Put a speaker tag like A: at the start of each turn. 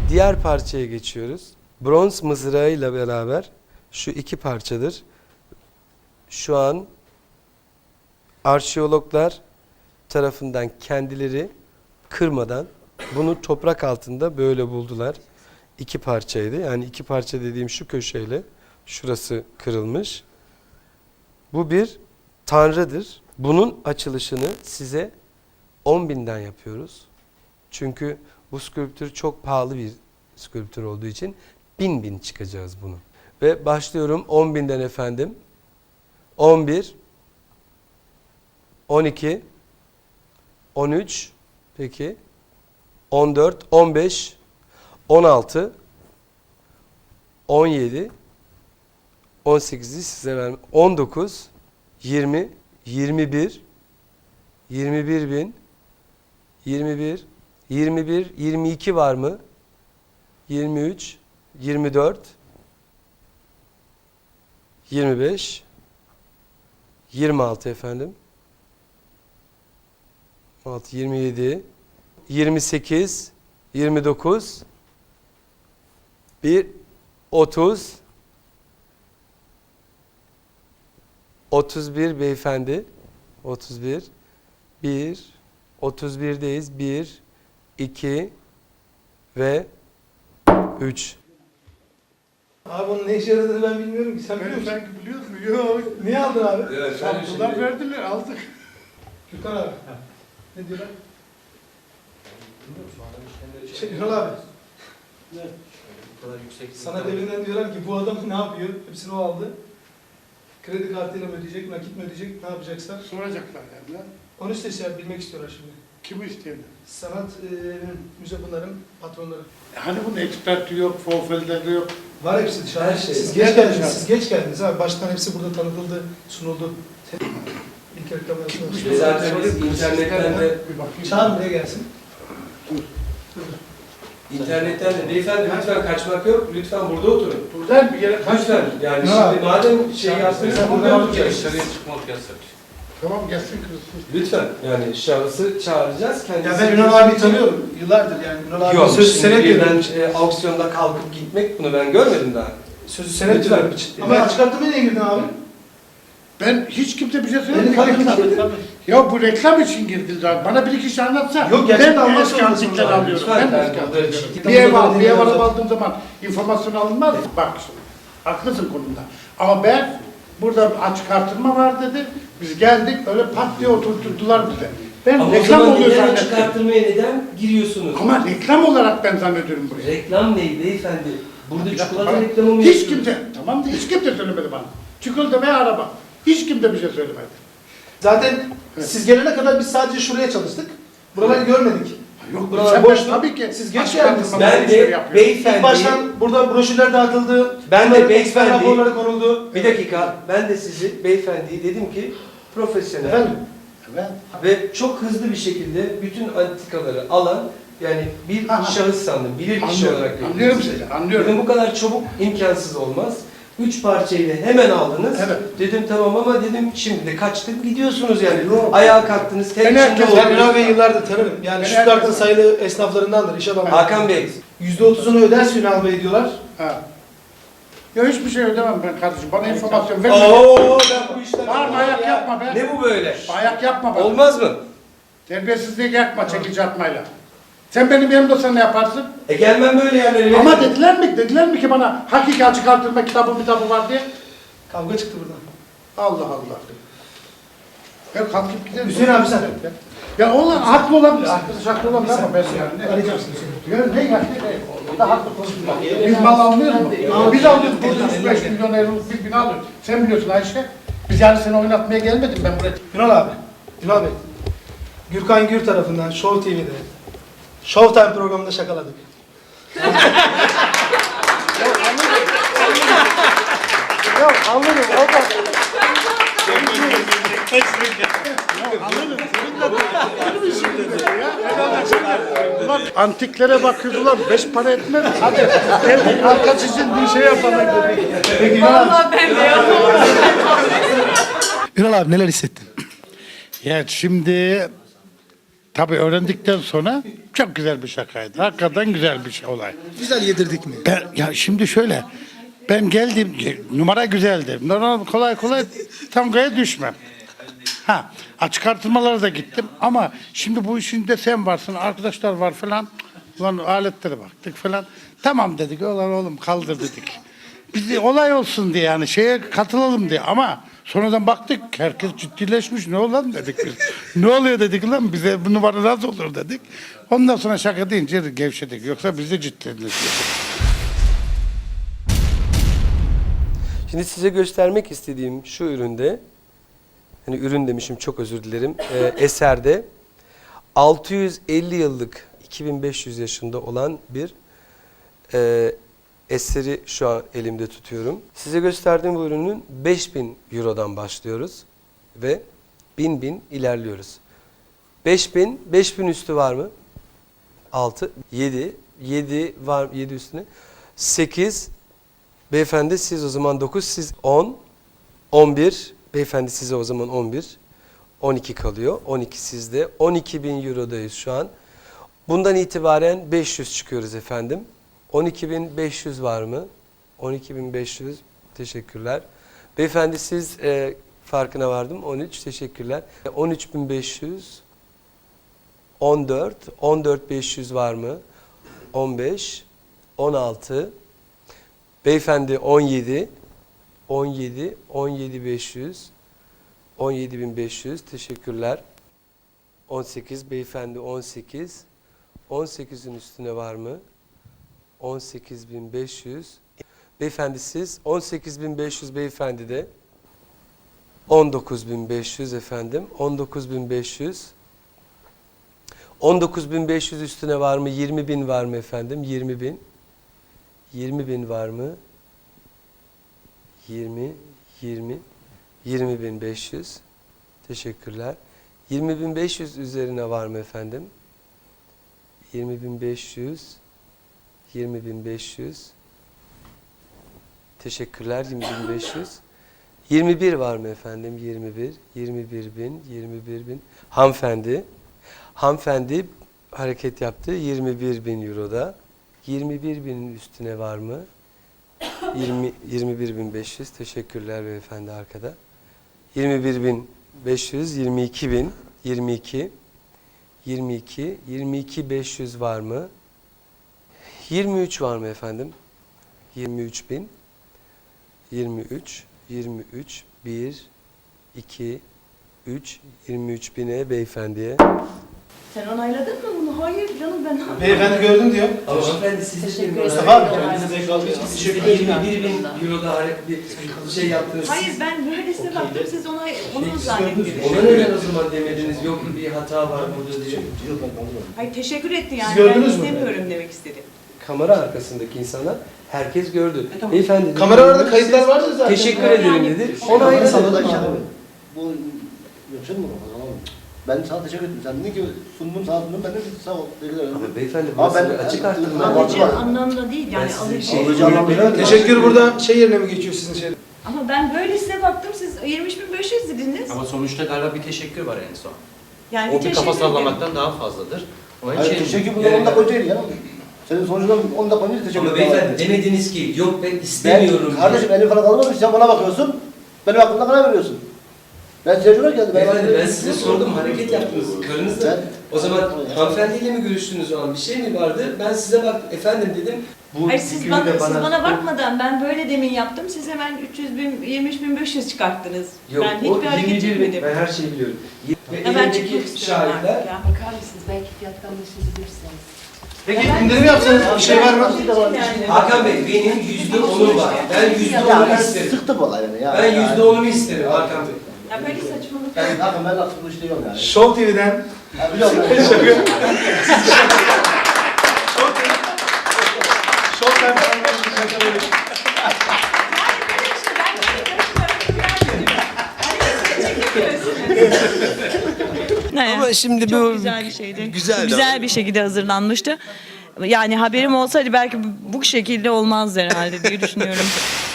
A: Diğer parçaya geçiyoruz. Bronz mızrağıyla beraber şu iki parçadır. Şu an arşeologlar tarafından kendileri kırmadan bunu toprak altında böyle buldular. İki parçaydı. Yani iki parça dediğim şu köşeyle şurası kırılmış. Bu bir tanrıdır. Bunun açılışını size 10.000'den yapıyoruz. Çünkü bu skulptür çok pahalı bir skulptür olduğu için 1000 çıkacağız bunu. Ve başlıyorum 10.000'den efendim. 11, 12, 13, peki, 14, 15, 16, 17, 18'i size vermem. 19, 20, 21, 21.000, 21, 21, 22 var mı? 23, 24, 25, 26 efendim. 26, 27, 28, 29, 1, 30, 31 beyefendi. 31, 1, 31'deyiz. 1, 2 ve 3.
B: Abi onun ne işe yaradığını ben bilmiyorum ki. Sen biliyor musun?
C: Sanki biliyorsun. Yok.
B: Niye aldın abi?
A: Evet,
C: Samsun'dan verdiler, aldık.
B: Gürkan abi. Ne diyorlar? Ünal abi.
D: Ne? Bu kadar yüksek.
B: Sana deminden diyorlar ki bu adam ne yapıyor? Hepsini o aldı. Kredi kartıyla mı ödeyecek, nakit mi ödeyecek, ne yapacaklar?
C: Soracaklar yani.
B: Onu işte bilmek istiyorlar şimdi.
C: Kimi isteyenler?
B: Sanat müze bunların patronları.
C: Hani bunun eksperti yok, forfelleri yok.
B: Var hepsi dışarıda.
A: Her şey.
B: Siz
C: Nereden
B: geç geldiniz.
C: dışarı?
B: Siz geç geldiniz abi. Baştan hepsi burada tanıtıldı, sunuldu. İlk reklam yapıyorsunuz.
A: Zaten biz internetten de
C: Bir bakayım.
B: Çağır buraya gelsin.
A: İnternetten de beyefendi lütfen kaçmak yok. Lütfen burada oturun.
C: Buradan bir yere kaç
A: Lütfen. Yani
B: Ne
A: şimdi
B: abi?
A: madem şey yaptınız burada oturun.
D: Dışarıya çıkmak yasak.
C: Tamam gelsin kızım.
A: Lütfen. Yani şahısı çağıracağız. Kendisi.
B: Ya ben Ünal abi tanıyorum. Yıllardır yani. Ünal abi
A: Yok,
B: sözü senet
A: birden
B: diyorum.
A: auksyonda kalkıp gitmek bunu ben görmedim daha.
B: Sözü senet
A: Lütfen.
B: diyorum. Ama açık arttırmaya niye girdin abi?
C: Ben hiç kimse bir şey
B: Beni
C: söylemedim.
B: kalkın.
C: Ya bu reklam için girdiler. Bana bir iki şey anlatsa.
B: Yok, gerçekten
C: ben
B: almak
C: eski
B: zorundasın
C: antikleri
B: abi.
C: alıyorum.
A: Lütfen,
C: Ben
A: ben
C: eski
A: burada
C: antikleri.
A: ciddi-
C: Bir ev
B: Tamam,
C: bir ev
B: tamam.
C: aldığım zaman informasyon alınmaz mı? Bak şimdi. Haklısın konumda. Ama ben burada açık artırma var dedi. Biz geldik öyle pat diye oturtturdular bize. Ben
A: Ama o
C: reklam
A: zaman
C: oluyor
A: neden
C: zannettim.
A: çıkarttırmaya neden giriyorsunuz?
C: Ama reklam olarak ben zannediyorum buraya.
A: Reklam ne beyefendi? Burada
C: Bir dakika,
A: çikolata
C: bana-
A: reklamı mı
C: Hiç
A: yapıyorsunuz?
C: kimse, tamam da hiç kimse söylemedi bana. Çikolata ve araba. Hiç kimse bir şey söylemedi.
B: Zaten
C: Evet.
B: siz gelene kadar biz sadece şuraya çalıştık. Buraları görmedik.
C: Yok,
B: Buralar
C: sen
B: boştu.
C: tabii ki
B: Siz geç
C: açık
B: geldiniz.
C: artırma
A: Ben
C: işleri
A: de
C: yapıyorsun.
B: İlk
A: beyefendi,
B: baştan burada broşürler dağıtıldı.
A: ben
B: Bunların
A: de
B: eksper
A: beyefendi,
B: raporları konuldu.
A: bir dakika, ben de sizi beyefendiyi dedim ki profesyonel
B: Efendim?
C: Evet.
A: ve çok hızlı bir şekilde bütün antikaları alan yani bir
C: Aha.
A: şahıs sandım, bilir kişi
C: Anlıyorum,
A: olarak gördüm
C: anlıyorum
A: sizi.
C: sizi, anlıyorum.
A: Dedim bu kadar çabuk imkansız olmaz. 3 parçayı da hemen aldınız.
C: Evet.
A: Dedim tamam ama dedim şimdi de kaçtık gidiyorsunuz yani.
C: Yok.
A: Ayağa kalktınız, tek
C: Ben
A: içinde
C: herkes-
B: Ben
A: oldunuz.
B: Ünal Bey'i yıllardır tanırım. Yani
C: Ben
B: Stuttgart'ın
C: herkes-
B: sayılı esnaflarındandır. İş adamı.
A: Hakan Bey,
B: %30'unu öderse Ünal Bey diyorlar.
C: Ha. Ya hiçbir şey ödemem ben kardeşim. Bana informasyon verme.
A: ooo ben bu işler...
C: Bağırma, ayak yapma be.
A: Ne bu böyle?
C: Ayak yapma bana.
A: Olmaz mı?
C: Terbiyesizliği yapma çekici atmayla. Sen benim yanımda sen ne yaparsın?
A: Gelmem böyle yerlere.
C: Ama dediler mi ki bana hakiki açık artırma kitabı var diye?
B: Kavga çıktı buradan.
C: Allah Allah. Ben kalkıp giderim.
B: Hüseyin abi sen.
C: Ya olan haklı olabilir. Haklı olabilir ama ben yani.
B: Arayacağım seni.
C: Ya ne ya? O da haklı konuşma. Biz mal almıyoruz mu? Biz alıyoruz. Burada 35 milyon euroluk bir bina alıyoruz. Sen biliyorsun Ayşe. Biz yani seni oynatmaya gelmedim ben buraya.
B: Ünal abi. Ünal Bey. Gürkan Gür tarafından Show TV'de Showtime programında şakaladık.
C: Ya anladım. O da... Anladım. Senin de işin ya. Ulan antiklere bakıyoruz ulan 5 para etmez. Hadi geldik arka sizin bir şey yapalım dedik.
B: Peki Ünal abi.
E: Vallahi ben de yapamam.
B: Ünal abi neler hissettin?
C: Ya şimdi Tabii öğrendikten sonra çok güzel bir şakaydı. Hakikaten güzel bir şey olay.
B: Güzel yedirdik mi?
C: Ya şimdi şöyle, ben geldim, numara güzeldi. Normal kolay kolay tangoya düşmem. Ha, açık artırmalara da gittim ama şimdi bu işinde sen varsın, arkadaşlar var falan. Ulan aletlere baktık falan. Tamam dedik, ulan oğlum kaldır dedik. Biz de olay olsun diye yani şeye katılalım diye ama sonradan baktık herkes ciddileşmiş. Ne olan dedik biz. Ne oluyor dedik lan bize bu numara nasıl olur dedik. Ondan sonra şaka deyince gevşedik. Yoksa biz de ciddileştik.
A: Şimdi size göstermek istediğim şu üründe, hani ürün demişim çok özür dilerim, eserde 650 yıllık 2500 yaşında olan bir eseri şu an elimde tutuyorum. Size gösterdiğim bu ürünün 5000 Euro'dan başlıyoruz ve 1000 ilerliyoruz. 5000 üstü var mı? 6, 7 var, 7 üstüne. 8, beyefendi siz o zaman 9, siz 10, 11, beyefendi size o zaman 11, 12 kalıyor. 12 sizde. 12.000 Euro'dayız şu an. Bundan itibaren 500 çıkıyoruz efendim. 12.500 var mı? 12.500. Teşekkürler. Beyefendi siz farkına vardım. 13. Teşekkürler. 13.500. 14. 14.500 var mı? 15. 16. Beyefendi 17. 17. 17.500. 17.500. Teşekkürler. 18. Beyefendi 18. 18'in üstüne var mı? 18.500. Beyefendi siz 18.500, beyefendi de 19.500 efendim. 19.500. 19.500 üstüne var mı? 20.000 var mı efendim? 20.000. 20.000 var mı? 20.500. Teşekkürler. 20.500 üzerine var mı efendim? 20.500. 20.500. Teşekkürler. 20.500. 21 var mı efendim? 21. 21.000. Hanımefendi. Hanımefendi hareket yaptı. 21.000 Euro'da. 21.000'in üstüne var mı? 21.500. Teşekkürler beyefendi arkada. 21.500. 22.000. 22. 22.500 var mı? 23 var mı efendim? 23.000. 23. 1, 2, 3. 23.000'e beyefendiye.
E: Sen onayladın mı bunu? Hayır canım ben anlamadım.
B: Beyefendi gördüm diyor.
A: Ama hanımefendi siz
E: Teşekkür
B: Mustafa abi,
E: ederim.
B: kendinize kaldığı için teşekkür
A: Siz
B: ederim.
A: 21.000 Euro'da bir şey yaptınız.
E: Hayır ben böylesine baktım siz onu
A: Ona
E: zannettiniz.
A: neden o zaman demediniz? Yok bir hata var burada diye.
E: Hayır teşekkür etti yani.
B: Siz gördünüz
E: ben
B: mü?
E: istemiyorum demek istedi.
A: Kamera arkasındaki insanlar herkes gördü.
E: Tamam.
A: Beyefendi dedi,
B: Kameralarda kayıtlar vardı zaten.
A: teşekkür ederim dedi. Ona
F: Ona
A: ayrı
F: sana da
A: dedi.
F: işte bu yapacak mı? Tamam. Ben sana teşekkür ederim. Sen dedin ki sundum sana sundum. Ben de sağ ol.
A: Ama beyefendi
F: Ama
A: burası
F: ben-
A: bir açık artırma.
F: Ben-
E: Alıcı
F: var.
E: anlamda değil yani
A: Ben size
E: alıcı.
A: şey-
F: Alıcı anlamda.
B: Teşekkür burada şey yerine mi geçiyor sizin şey?
E: Ama ben böylesine baktım siz 23.500 dediniz.
D: Ama sonuçta galiba bir teşekkür var en son.
E: Yani
D: O bir kafa
E: teşekkür ederim.
D: sallamaktan daha fazladır. Onun
F: Hayır,
D: için
F: teşekkür bundan 10 dakika önceydi ya. Senin sonucundan 10 dakika önce teşekkür
A: Ama
F: ederim.
A: beyefendi demediniz ki yok ben istemiyorum.
F: Ben, kardeşim elim falan kalmamış. Sen bana bakıyorsun. Benim aklımda karar veriyorsun. Ben tecrübe geldim.
A: Beyefendi ben size sordum hareket yaptınız. Karınızla.
F: Ben-
A: O zaman hanımefendiyle mi görüştünüz o an? Bir şey mi vardı? Ben size bak efendim dedim. Bu
E: Hayır siz
A: fikri
E: bana,
A: de
E: siz bana bakmadan ben böyle demin yaptım. Siz hemen 23.500 çıkarttınız.
A: Yok,
E: ben
A: o
E: hiçbir hareket
A: 21
E: etmedim.
A: Ben her şeyi biliyorum. Ve
E: Ya ben
A: elindeki
E: çıkmak istiyorum
A: şahitler.
E: artık ya.
G: Bakar mısınız? Belki fiyattan düşebilirsiniz.
B: Peki indirim yapsanız bir şey var mı?
E: Yani.
A: Hakan Bey benim %10'um var. Ben
F: Ya
A: %10'umu
F: ben
A: isterim.
F: sıktım olayını ya.
A: Ben %10'umu isterim Hakan Bey.
E: Ya böyle saçmalık.
F: Ben bakın ben artık bu işte yok yani.
B: Show TV'den.
F: Ya biliyorum ben.
B: Show TV'den. Show TV'den.
A: Ama şimdi
E: Çok
A: bu
E: güzel bir şeydi.
A: güzeldi
E: Güzel bir şekilde hazırlanmıştı. Yani haberim olsaydı belki bu şekilde olmazdı herhalde diye düşünüyorum.